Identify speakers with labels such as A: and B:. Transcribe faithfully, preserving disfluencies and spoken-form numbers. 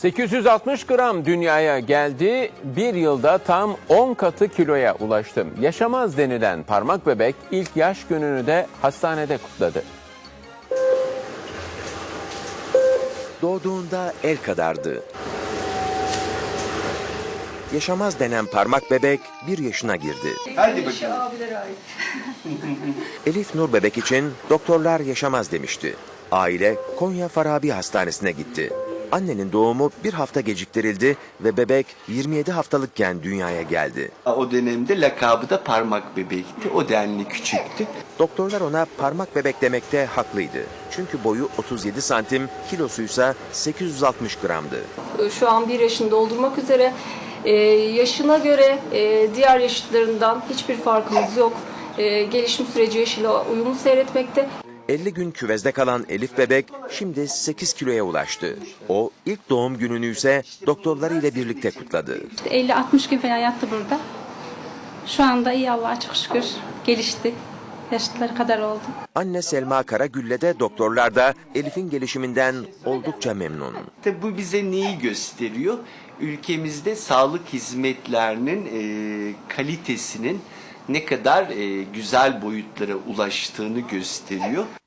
A: sekiz yüz altmış gram dünyaya geldi, bir yılda tam on katı kiloya ulaştı. Yaşamaz denilen parmak bebek ilk yaş gününü de hastanede kutladı.
B: Doğduğunda el kadardı. Yaşamaz denen parmak bebek bir yaşına girdi.
C: Hadi bakalım.
B: Elif Nur bebek için doktorlar yaşamaz demişti. Aile Konya Farabi Hastanesi'ne gitti. Annenin doğumu bir hafta geciktirildi ve bebek yirmi yedi haftalıkken dünyaya geldi.
C: O dönemde lakabı da parmak bebekti. O denli küçüktü.
B: Doktorlar ona parmak bebek demekte haklıydı. Çünkü boyu otuz yedi santim, kilosuysa sekiz yüz altmış gramdı.
D: Şu an bir yaşını doldurmak üzere. Ee, yaşına göre e, diğer yaşıtlarından hiçbir farkımız yok. Ee, gelişim süreci yaşıyla uyumlu seyretmekte.
B: elli gün küvezde kalan Elif bebek şimdi sekiz kiloya ulaştı. O ilk doğum gününü ise doktorları ile birlikte kutladı.
E: elli altmış gün falan yattı burada. Şu anda iyi, Allah'a çok şükür gelişti. Yaşlıları kadar oldu.
B: Anne Selma Karagül'le de doktorlar da Elif'in gelişiminden oldukça memnun.
C: Tabi bu bize neyi gösteriyor? Ülkemizde sağlık hizmetlerinin e, kalitesinin ne kadar e, güzel boyutlara ulaştığını gösteriyor.